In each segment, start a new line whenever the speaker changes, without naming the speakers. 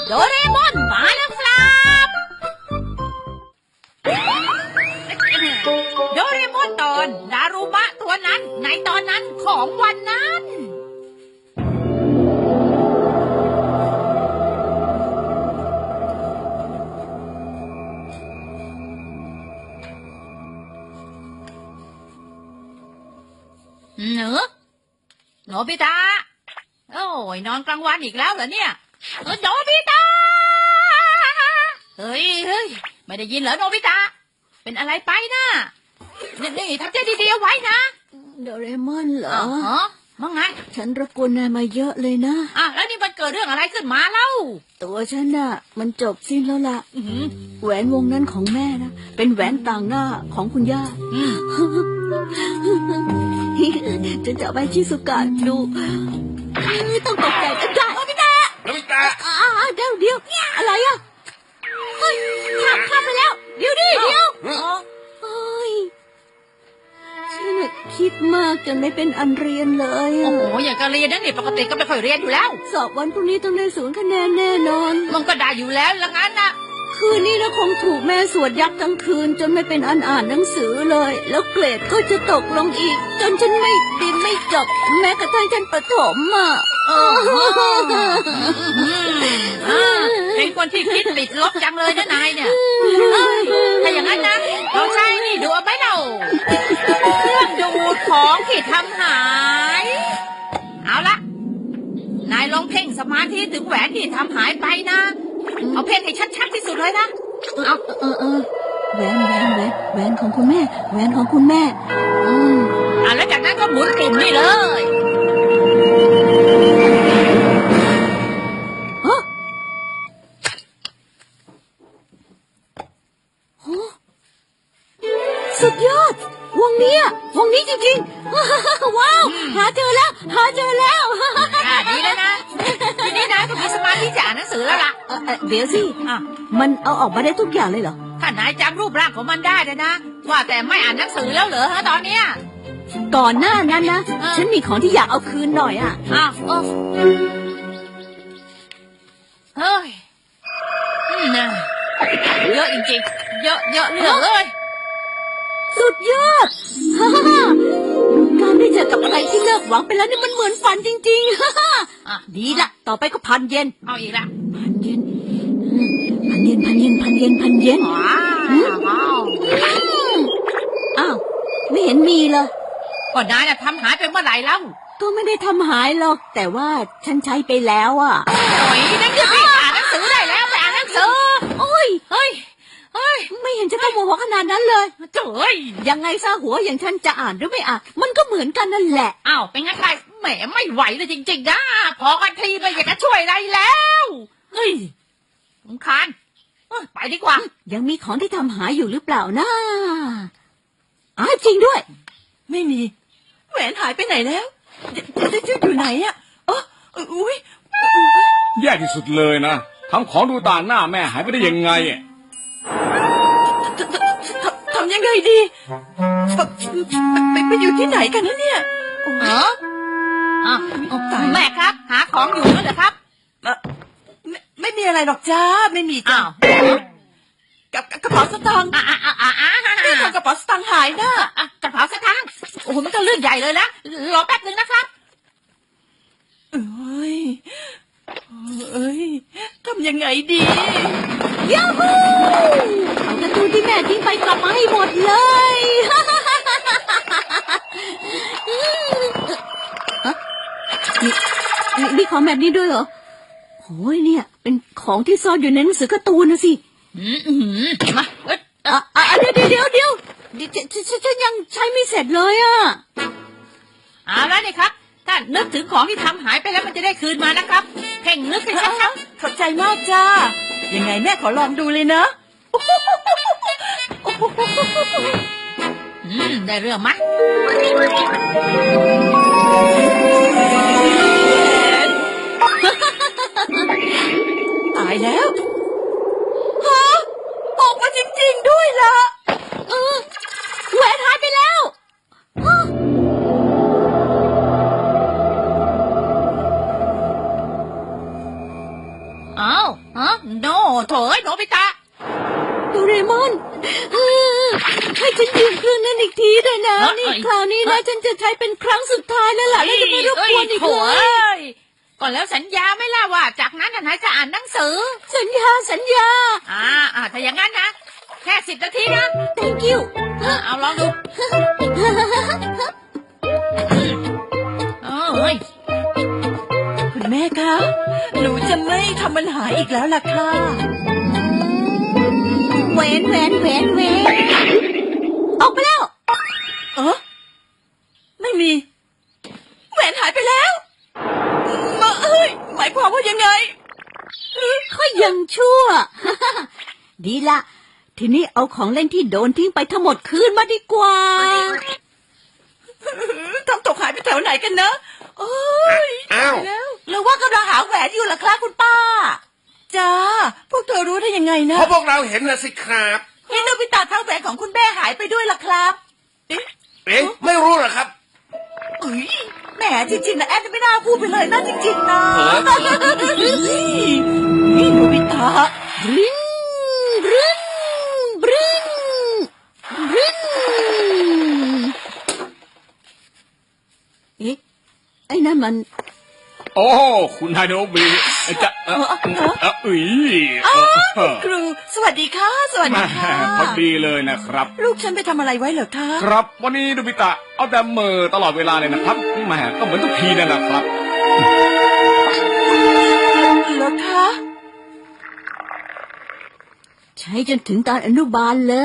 โดเรมอนมาแล้วครับโดเรมอนตอนดารุมะตัวนั้นในตอนนั้นของวันนั้นเนอะโนบิตะโอ้ยนอนกลางวันอีกแล้วเหรอเนี่ยโนบิตะเฮ้ยไม่ได้ยินเหรอโนบิตะเป็นอะไรไปนะนี่ทำใจดีๆเอาไว้นะ
โดเรมอนเหรอ
ว่าไง
ฉันรบกวนนายมาเยอะเลยนะ
แล้วนี่มันเกิดเรื่องอะไรขึ้นมาเล่า
ตัวฉันน่ะมันจบสิ้นแล้วล่ะแหวนวงนั้นของแม่นะเป็นแหวนต่างหน้าของคุณย่าฉันจะไปชิซุกะดูต้องตกใจกันจ้ะ
โนบิตะ
เดี๋ยวอะไรอ่ะเฮ้ยข้ามไปแล้วเดี๋ยวเฮ้ยฉันคิดมากจนไม่เป็นอันเรียนเลย
โอ้โหอย่างการเรียนนั่นนี่ปกติก็ไม่ค่อยเรียนอยู่แล้ว
สอบวันพรุ่งนี้ต้องได้0 คะแนนแน่นอน
มันก็ได้อยู่แล้วละงั้นนะ
คืนนี้นะคงถูกแม่สวดยับทั้งคืนจนไม่เป็นอันอ่านหนังสือเลยแล้วเกรดก็จะตกลงอีกจนฉันไม่เรียนไม่จบแม้กระทั่งชั้นประถม
เป็นคนที่คิดติดลบจังเลยนะนายเนี่ยถ้าอย่างนั้นนะเราใช้นี่ดูเอาไปเราเครื่องดูดของที่ทำหายเอาละนายลองเพ่งสมาธิถึงแหวนที่ทำหายไปนะเอาเพ่งให้ชัดๆที่สุดเลยนะ
เอาแหวนของคุณแม่แหวนของคุณแม่
แล้วจากนั้นก็หมุนกลุ่มนี่เลย
สุดยอดวงนี้จริงๆว้าวหาเจอแล้ว
ดีแล้วนะทีนี้นายก็มีสมาธิจะอ่านหนังสือแล้วล่ะ
เดี๋ยวสิมันเอาออกมาได้ทุกอย่างเลยเหรอ
ถ้านายจำรูปร่างของมันได้นะว่าแต่ไม่อ่านหนังสือแล้วเหรอตอนเนี้ย
ก่อนหน้านั้นนะฉันมีของที่อยากเอาคืนหน่อย
เฮ้ยเยอะจริงๆเยอะเหลือเลย
สุดยอดการได้เจอกับอะไรที่เลิกหวังไปแล้วนี่มันเหมือนฝันจริงๆดีละต่อไปก็พันเยน
เอาอีกละ
พันเยนอ้าวไม่เห็นมีเลย
ก็นายทำหายไปเมื่อไหร่แล้ว
ก็ไม่ได้ทำหายหรอกแต่ว่าฉันใช้ไปแล้ว
โอ้ยนั่นจะไปอ่านหนังสือได้แล้วไปอ่านหนังสือ
โอ้ยเฮ้ยไม่เห็นจะต้องโมโหขนาดนั้นเลย
เจ้ย
ยังไงซะหัวอย่างฉันจะอ่านหรือไม่อ่านมันก็เหมือนกันนั่นแหละ
อ้าวเป็นงั้นใครแหมไม่ไหวเลยจริงๆนะพอกันทีไม่อยากจะช่วยอะไรแล้วเฮ้ยสำคัญไปดีกว่า
ยังมีของที่ทำหายอยู่หรือเปล่านะจริงด้วย
ไม่มีแหวนหายไปไหนแล้วจะอยู่ไหนอุ้ย
แย่ที่สุดเลยนะทำของดูต่างหน้าแม่หายไปได้ยังไง
ทำยังไงดีไปอยู่ที่ไหนกันนะเนี่ย
แม่ครับหาของอยู่นั่นเหรอครับ
ไม่มีอะไรหรอกจ้าไม่มีจ้ากับกระเป๋าสตางค์นี่ทำกระเป๋าสตางค์หายนะ
กระเป๋าสตางค์โอ้โหมันก็เรื่องใหญ่เลยนะรอแป๊บนึงนะครับ
เอ้ยทำยังไงดี
ยาฮูเอาการ์ตูนที่แม่ทิ้งไปกลับมาให้หมดเลยมีของแบบนี้ด้วยเหรอโอ้ยเนี่ยเป็นของที่ซ่อนอยู่ในหนังสือการ์ตูนนะสิ
มา
เดี๋ยวฉันยังใช้ไม่เสร็จเลย
เอาแล้วนี่ครับถ้านึกถึงของที่ทำหายไปแล้วมันจะได้คืนมานะครับเพ่งนึกให้ชัด
ๆขอบใจมากจ้ายังไงแม่ขอลองดูเลยนะ
ได้เรื่องไหม
ตายแล้วออกมาจริงๆด้วยล่ะ
แหวนหายไปแล้ว
อ้าวฮะโนโถยโนบิตะ
โดเรมอนให้ฉันยืมเครื่องนั้นอีกทีด้วยนะ นี่คราวนี้นะฉันจะใช้เป็นครั้งสุดท้ายแล้วล่ะแล้วจะไม่รบกวนอีก
โถ
เลย
ยก่อนแล้วสัญญาไม่ล่ะว่าจากนั้นนายจะอ่านหนังสือ
สัญญา
ถ้าอย่างนั้นนะแค่10 นาทีนะ
thank you
เอาลองดูเฮ้ย
คุณแม่คะหนูจะไม่ทำมันหายอีกแล้วล่ะค่ะ
แหวนออกไปแล้ว
ไม่มีแหวนหายไปแล้วหมายความว่ายังไง
ก็ยังชั่ว ดีละทีนี้เอาของเล่นที่โดนทิ้งไปทั้งหมดคืนมาดีกว่า
ทำตกหายไปแถวไหนกันนะโอ้ย
อ้าว
แล้วหรือว่ากำลังหาแหวนอยู่ล่ะครับคุณป้าจ้าพวกเธอรู้ได้ยังไงนะ
เพราะพวกเราเห็นนะสิครับ
เห็นโนบิตะทั้งแหวนของคุณแม่หายไปด้วยล่ะครับเอ๊ะ
เอ๊ะไม่รู้เหรอครับ
เอ้ยแหมจริงๆนะแอนไม่น่าพูดไปเลยนะจริงๆนะ นี่โนบิตะ
บริ้งบริ้งบริ้งบริ้งเอ๊ะไอ้นั่นมัน
โอ้คุณไฮโนบิจะ
ครูสวัสดีค่ะสวัส
แม่
ดีค่ะ
พอดีเลยนะครับ
ลูกฉันไปทำอะไรไว้เหรอคะ
ครับวันนี้โนบิตะเอาแต่เหมอตลอดเวลาเลยนะครับแม่ก็เหมือนทุกทีนั่นแหละครับ
เหรอคะ
ใช้จนถึงตอนอนุบาลเลย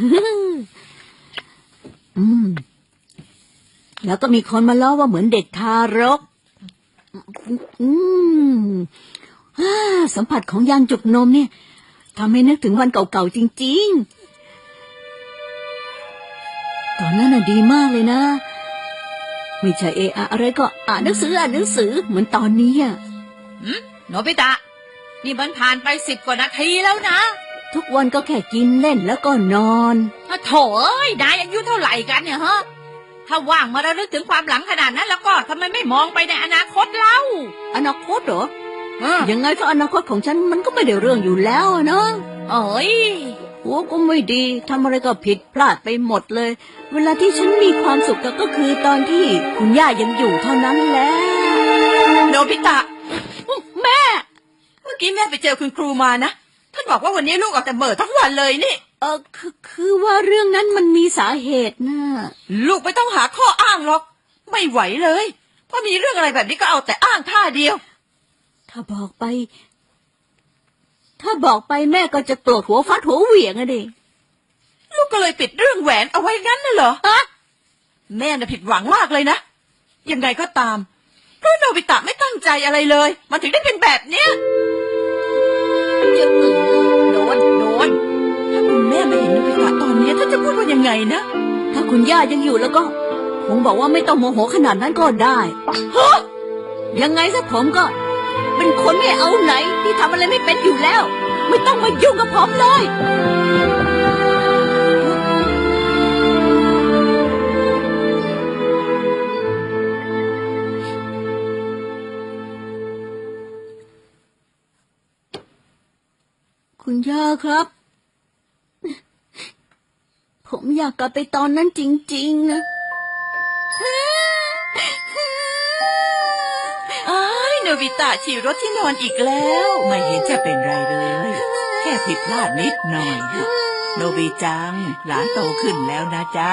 แล้วก็มีคนมาล้อว่าเหมือนเด็กทารก สัมผัสของยางจุกนมเนี่ยทำให้นึกถึงวันเก่าๆจริงๆ ตอนนั้นน่ะดีมากเลยนะ ไม่ใช่อะไรก็อ่านหนังสือเหมือนตอนนี้อ่ะ
โนบิตะนี่มันผ่านไป10 กว่านาทีแล้วนะ
ทุกวันก็แค่กินเล่นแล้วก็นอน
โถเอ้ยนายอายุเท่าไหร่กันเนี่ยฮะถ้าว่างมาระลึกถึงความหลังขนาดนั้นแล้วก็ทำไมไม่มองไปในอนาคตเล่า
อนาคตเหรอ ยังไงก็อนาคตของฉันมันก็ไม่ได้เรื่องอยู่แล้วอะเนาะ
เอ้ย
หัวก็ไม่ดีทำอะไรก็ผิดพลาดไปหมดเลย เวลาที่ฉันมีความสุขก็คือตอนที่คุณย่ายังอยู่เท่านั้นแหละ
โนบิตะ
แม่
เมื่อกี้แม่ไปเจอคุณครูมานะท่านบอกว่าวันนี้ลูกออกแต่เหม่อทั้งวันเลยนี่
คือว่าเรื่องนั้นมันมีสาเหตุนะ
ลูกไม่ต้องหาข้ออ้างหรอกไม่ไหวเลยพอมีเรื่องอะไรแบบนี้ก็เอาแต่อ้างท่าเดียว
ถ้าบอกไปแม่ก็จะโกรธหัวฟัดหัวเหวี่ยงอะดิ
ลูกก็เลยปิดเรื่องแหวนเอาไว้งั้นน่ะเหรอแม่น่ะผิดหวังมากเลยนะยังไงก็ตามเพราะโนบิตะไม่ตั้งใจอะไรเลยมันถึงได้เป็นแบบเนี้ย
โดน
ถ้าคุณแม่ไม่เห็นโนบิตะตอนนี้ท่านจะพูดว่ายังไงนะ
ถ้าคุณย่ายังอยู่แล้วก็คงบอกว่าไม่ต้องโมโหขนาดนั้นก็ได้ยังไงซะผมก็ เป็นคนไม่เอาไหนที่ทำอะไรไม่เป็นอยู่แล้ว ไม่ต้องมายุ่งกับผมเลยคุณย่าครับ ผมอยากกลับไปตอนนั้นจริงๆนะ
อ้ายโนบิตะฉี่รถที่นอนอีกแล้วไม่เห็นจะเป็นไรเลย แค่ผิดพลาดนิดหน่อยโนบิจังหลานโตขึ้นแล้วนะจ๊ะ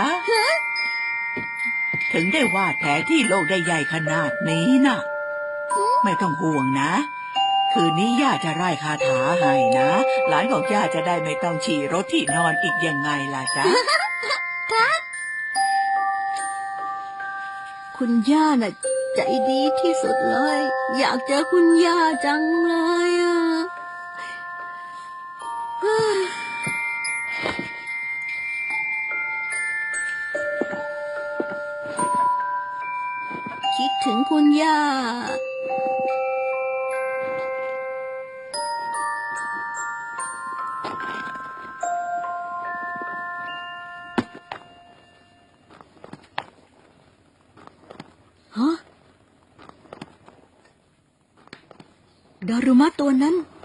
ถึงได้วาดแผลที่โลกได้ใหญ่ขนาดนี้น่ะไม่ต้องห่วงนะคืนนี้ย่าจะไล่คาถาให้นะหลานของย่าจะได้ไม่ต้องฉี่รถที่นอนอีกยังไงล่ะจ๊ะ
คุณย่าน่ะใจดีที่สุดเลย อยากเจอคุณย่าจังเลยอ่ะคิดถึงคุณย่าฮะดารุมะตัวนั้น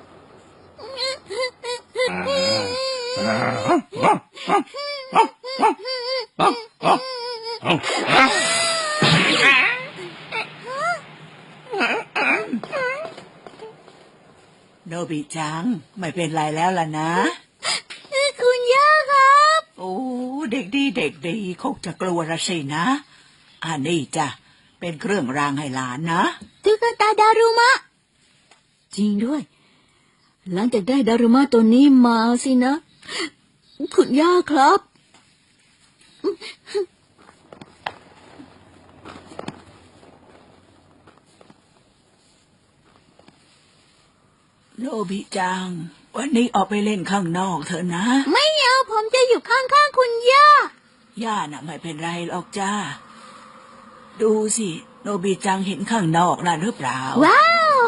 โนบิจังไม่เป็นไรแล้วล่ะนะ
คุณย่าครับ
โอ้เด็กดีเด็กดีคงจะกลัวละสินะอันนี้จ้ะเป็นเครื่องรางให้หลานนะ
ตุ๊กตาดารุมะ จริงด้วย หลังจากได้ดารุมะตัวนี้มาสินะ คุณย่าครับ
โนบิจังวันนี้ออกไปเล่นข้างนอกเถอะนะ
ไม่เอาผมจะอยู่ข้างๆคุณย่า
ย่าน่ะไม่เป็นไรหรอกจ้าดูสิโนบิจังเห็นข้างนอกน่ะหรือเปล่า
ว้าว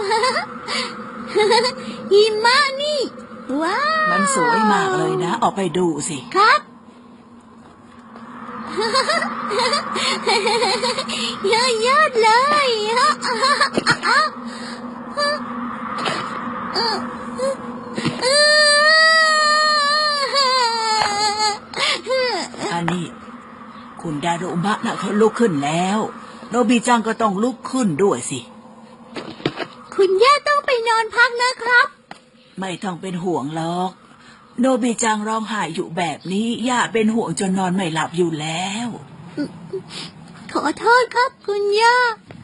หิมะนี่ ว้าว
มันสวยมากเลยนะออกไปดูสิ
ครับ ยอดเลย
อันนี้คุณดารุมะน่ะเขาลุกขึ้นแล้วโนบิจังก็ต้องลุกขึ้นด้วยสิ
คุณย่าต้องไปนอนพักนะครับ
ไม่ต้องเป็นห่วงหรอกโนบิจังร้องไห้อยู่แบบนี้ย่าเป็นห่วงจนนอนไม่หลับอยู่แล้ว
ขอโทษครับคุณย่า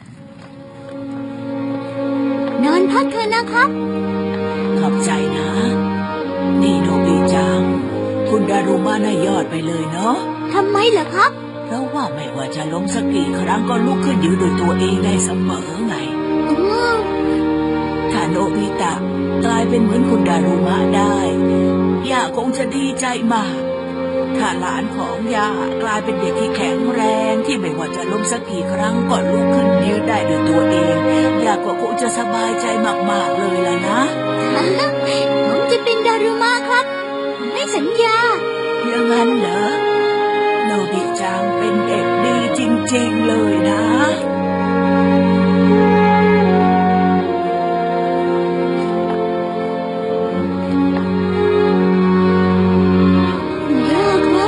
นอนพักเถอะนะครับ
ขอบใจนะนี่โนบิจังคุณดารุมะน่ะยอดไปเลยเนาะ
ทำไมเหรอครับ
เพราะว่าไม่ว่าจะล้มสักกี่ครั้งก็ลุกขึ้นยืนด้วยตัวเองได้เสมอไง
อืม
ถ้าโนบิตะกลายเป็นเหมือนคุณดารุมะได้ย่าคงจะดีใจมากถ้าหลานของย่ากลายเป็นเด็กที่แข็งแรงที่ไม่ว่าจะล้มสักกี่ครั้งก็ลุกขึ้นยืนได้ด้วยตัวเองย่าก็คงจะสบายใจมากๆเลยล่ะนะ
ผมจะเป็นดารุมะครับไม่สัญญา
อย่างนั้นเหรอโนบิจังเป็นเด็กดีจริงๆเลยนะ
คุณย่าครับ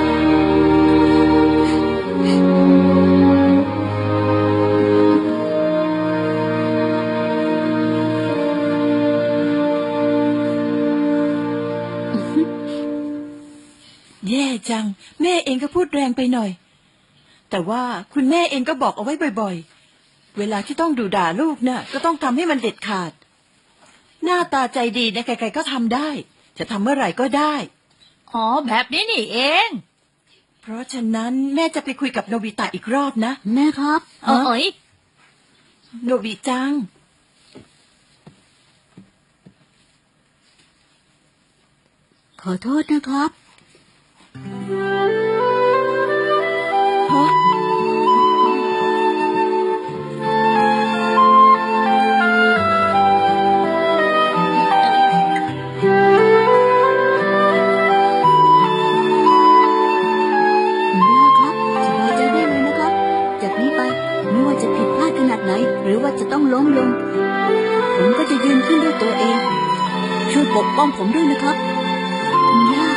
แย่จังแม่เองก็พูดแรงไปหน่อย แต่ว่าคุณแม่เองก็บอกเอาไว้บ่อยๆเวลาที่ต้องดุด่าลูกน่ะก็ต้องทำให้มันเด็ดขาดหน้าตาใจดีนะใครๆก็ทำได้จะทำเมื่อไหร่ก็ได้
อ๋อแบบนี้นี่เอง
เพราะฉะนั้นแม่จะไปคุยกับโนบิตะอีกรอบนะ
แม่ครับ
เอ้ย
โนบิจัง
ขอโทษนะครับ
ฮะ
คุณย่าครับสบายใจได้เลยนะครับ จากนี้ไปไม่ว่าจะผิดพลาดขนาดไหน หรือว่าจะต้องล้มลง ผมก็จะยืนขึ้นด้วยตัวเอง ช่วยปกป้องผมด้วยนะครับ คุณย่า